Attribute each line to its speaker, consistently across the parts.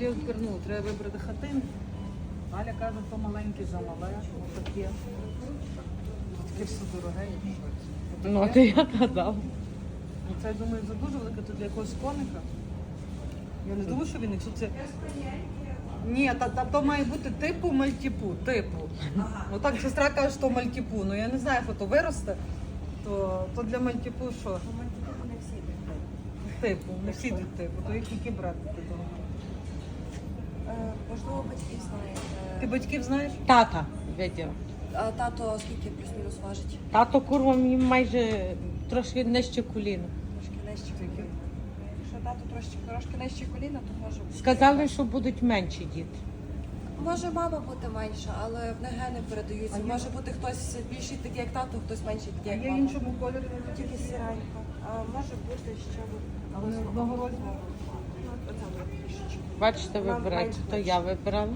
Speaker 1: Лєвкер, ну, треба вибрати хатинку. Галя каже, то маленьке замале, отаке. Таке все дороге.
Speaker 2: Ну, а ти як гадав?
Speaker 1: Ну, це, я думаю, за дуже велике тут для якогось коника. Я не думаю, що він, якщо це... Ні, то має бути типу мальтіпу, типу. Ну так сестра каже, що мальтіпу. Ну я не знаю, як то виросте, то для мальтіпу що?
Speaker 3: Мальтіпу не всі йдуть.
Speaker 1: Типу, не всі йдуть типу, то їх які брати додому.
Speaker 3: Можливо, батьків знаєте.
Speaker 1: Ти батьків знаєш?
Speaker 2: Тата виділа.
Speaker 3: А тато скільки плюс-мінус важить?
Speaker 2: Тато курва мені майже трошки нижче коліна.
Speaker 3: Трошки нижче коліна. Якщо тато трошки нижче коліна, то може бути.
Speaker 2: Сказали, що будуть менші діти.
Speaker 3: Може мама бути менша, але в них гени передаються.
Speaker 1: А
Speaker 3: Може бути хтось більший такий, як тато, хтось менший
Speaker 1: А
Speaker 3: такий, як
Speaker 1: є
Speaker 3: мама.
Speaker 1: іншому кольорі?
Speaker 3: Тільки сіренька. А може бути ще
Speaker 1: Але не одного розміру.
Speaker 3: оця трішечки.
Speaker 2: Бачите,
Speaker 3: Нам
Speaker 2: вибираєте, то
Speaker 3: менше.
Speaker 2: я вибирала.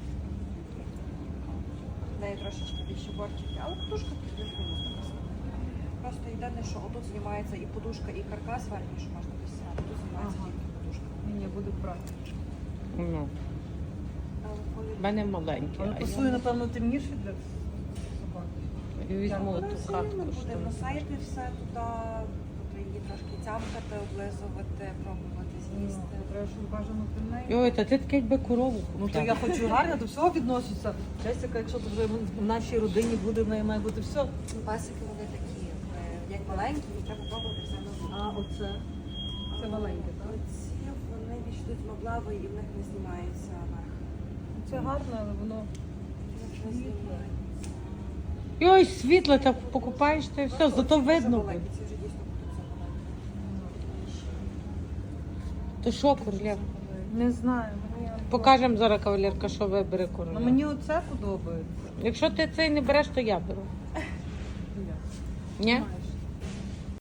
Speaker 3: В неї трошечки більше бортики, але подушка плюс-мінус така сама. Просто єдине, що отут знімається і подушка, і каркас верхній, що можна досягати. Тут знімається
Speaker 1: Ага.
Speaker 3: тільки подушка.
Speaker 1: Ні, буде брати.
Speaker 2: Ну,
Speaker 3: Але коли
Speaker 2: в мене маленькі.
Speaker 1: Але
Speaker 2: А
Speaker 1: пасує, напевно, темніше для собаки.
Speaker 2: я візьму
Speaker 3: вона
Speaker 2: ту
Speaker 3: все
Speaker 2: хатку.
Speaker 3: рівно буде
Speaker 2: що.
Speaker 3: носити все туди, тобто її трошки тямкати, облизувати, пробувати з'їсти.
Speaker 1: Треба, щоб бажано при неї.
Speaker 2: Йой, та ти таке якби корову
Speaker 1: Ну то
Speaker 2: купляла.
Speaker 1: я хочу гарно до всього відноситися. Честь, якщо то вже в нашій родині буде, в неї має бути все.
Speaker 3: Пасики вони такі, як маленькі, і треба пробувати все нове.
Speaker 1: А оце? Це маленьке, так?
Speaker 3: Ці вони більш йдуть меблеві і в них не знімається верх.
Speaker 1: Це гарно, але воно
Speaker 3: Не знімається.
Speaker 2: Йой, світло, так покупаєш, та й все, зато видно буде.
Speaker 3: Ці вже дійсно будуть забаленькі.
Speaker 2: То що, Курлєв?
Speaker 1: не знаю.
Speaker 2: Покажемо зараз, кавалерка, що вибере
Speaker 1: Ну,
Speaker 2: Курлєв.
Speaker 1: мені оце подобається.
Speaker 2: Якщо ти цей не береш, то я беру.
Speaker 1: Я.
Speaker 2: Ні?
Speaker 1: Знаю.